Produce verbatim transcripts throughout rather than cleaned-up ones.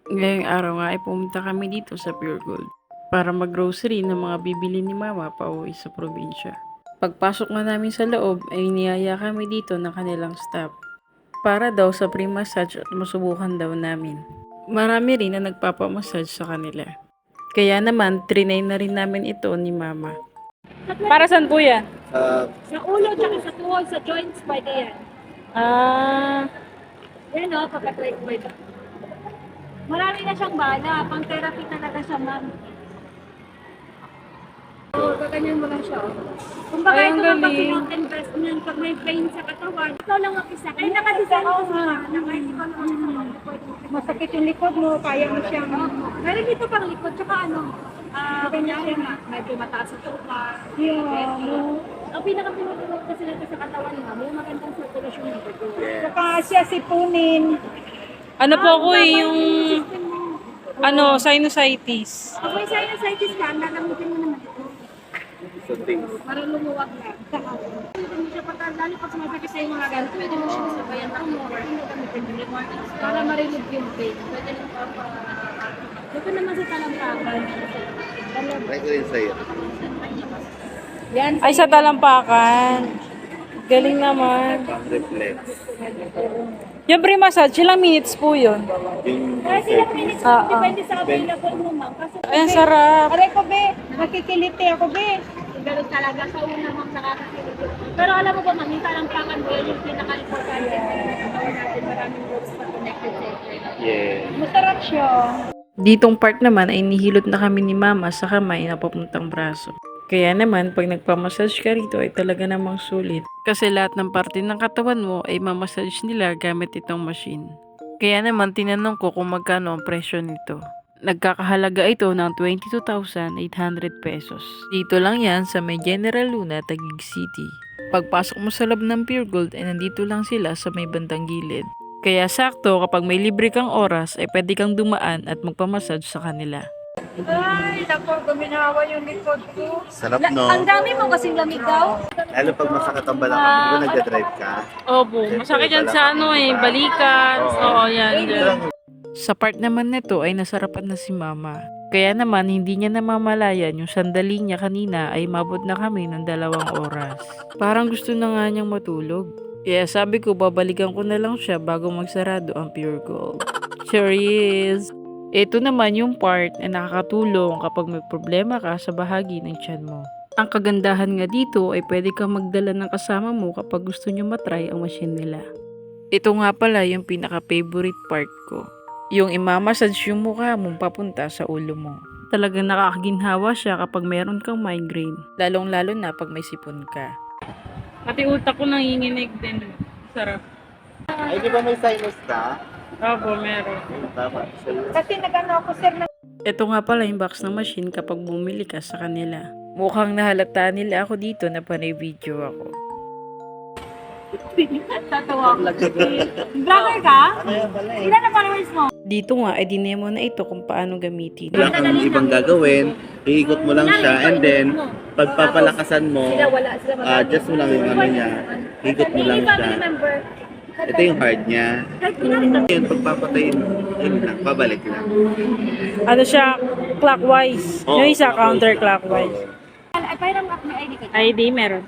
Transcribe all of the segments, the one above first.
Ngayong araw nga ay pumunta kami dito sa Pure Gold para mag-grocery ng mga bibili ni Mama pauwi sa probinsya. Pagpasok nga namin sa loob ay niyaya kami dito ng kanilang staff para daw sa free massage at masubukan daw namin. Marami rin na nagpapamassage sa kanila. Kaya naman, trinay na rin namin ito ni Mama. Para saan po yan? Uh, Sa ulo, tsaka sa tuhod, sa joints, pwede yan. Ah, Yan o, pagka-try ko ito. Marami na siyang bala, pang therapy talaga siya, ma'am. Oo, gaganyan mo lang siya. Kung baka Ay, ang ito lang pag galing. investment, pag may pain sa katawan, ikaw lang ang isa. Kaya nakadesign ko nga, na kahit ikaw lang ang isa. Masakit yung likod mo, kaya mo siyang... Meron dito pang likod, tsaka ano, ah, kanya siya na, medyo mataas sa tuka. Yeah, no. Ang pinaka-pinutulog kasi natin sa katawan mo, may magandang circulation ng dugo. yeah. siya sipunin. ano po ako eh, yung ano, sinusitis. Kung may sinusitis ka, nagamitin mo naman ito. So things. Para lumuwag na. Hindi mo siya pagka, lalo pag sumasakit sa yung mga ganito, pwede mo siya sabayan ng more. Hindi gamitin mo. Para ma-relieve yung pain. Pwede rin pa pa. Ito naman sa talampakan. Try ko rin sa'yo. Yan. Ay, sa talampakan. Galing naman. Pang reflex. Yung free massage, ilang minutes po yun? Yung Kaya sila minutes Ah, ah. depende sa available mo, ma'am. Kasi, Ay, ang sarap. aray ko, be. Nakikiliti ako, be. Ganun talaga. Sa una, ma'am, nakakakiliti. Pero alam mo ba, ma'am, yung talampakan mo, yun yung pinaka-importante. Gawin natin maraming groups na connected sa ito. yeah. Masarap siya. Ditong part naman ay nihilot na kami ni Mama sa kamay na papuntang braso. Kaya naman, pag nagpamassage ka rito ay talaga namang sulit. Kasi lahat ng parte ng katawan mo ay mamassage nila gamit itong machine. Kaya naman, tinanong ko kung magkano ang presyo nito. Nagkakahalaga ito ng twenty-two thousand eight hundred pesos. Dito lang yan sa may General Luna, Taguig City. Pagpasok mo sa loob ng Pure Gold ay nandito lang sila sa may bandang gilid. Kaya sakto kapag may libre kang oras ay pwede kang dumaan at magpamassage sa kanila. Ay, naku, guminawa yung likod ko. Sarap, La- no? Ang dami mo kasing lamig daw. Lalo pag masakit ang balakang, di ba nagdadrive ka? Opo, masakit yan sa ano eh, balikan. Oo. Oo, yan, Ito yan. lang. Sa part naman nito ay nasarapan na si Mama. Kaya naman hindi niya namamalayan yung sandali niya kanina ay mabot na kami ng dalawang oras. Parang gusto na nga niyang matulog. Kaya sabi ko babalikan ko na lang siya bago magsarado ang Pure Gold. Sure is. Ito naman yung part na nakakatulong kapag may problema ka sa bahagi ng tiyan mo. Ang kagandahan nga dito ay pwede kang magdala ng kasama mo kapag gusto nyo matry ang machine nila. Ito nga pala yung pinaka-favorite part ko. Yung imamassage yung mukha mo papunta sa ulo mo. Talagang nakakaginhawa siya kapag meron kang migraine. Lalong-lalo na pag may sipon ka. Pati utak ko nanginginig din. Sarap. Ay, di ba may sinus ka? Opo, meron. Tama. Sa'yo. Kasi nagano ako, sir, na Ito nga pala yung box ng machine kapag bumili ka sa kanila. Mukhang nahalata nila ako dito na panay video ako. tatawa ako. Vlogger ka? Ano yan pala eh? Ilan na followers mo? Dito nga, ay dinemo na ito kung paano gamitin. Wala kang ibang gagawin, iikot mo lang siya, and then, pagpapalakasan mo, Sila wala, sila ah just mo lang yung ano niya, ikot mo lang Hindi siya. family member. Ito yung hard niya. Yun, pagpapatayin mo, yun lang, pabalik lang. Ano siya, clockwise. Oo, yung isa, clockwise. counterclockwise. Ay, parang may I D ka. I D meron.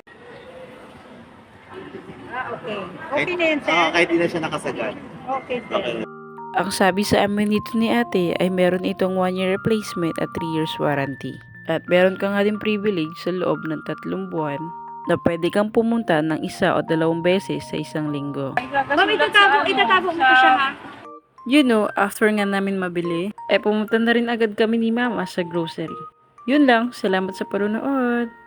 Ah, okay. Okay na yan, sir? Oo, kahit di na siya nakasagad. Okay, Okay. Ang sabi sa amin nito ni ate ay meron itong one year replacement at three years warranty. At meron ka nga din privilege sa loob ng tatlong buwan na pwede kang pumunta ng isa o dalawang beses sa isang linggo. Ma'am, itatabo, itatabo mo ko siya, ha? You know, after nga namin mabili, ay pumunta na rin agad kami ni Mama sa grocery. Yun lang, salamat sa panonood.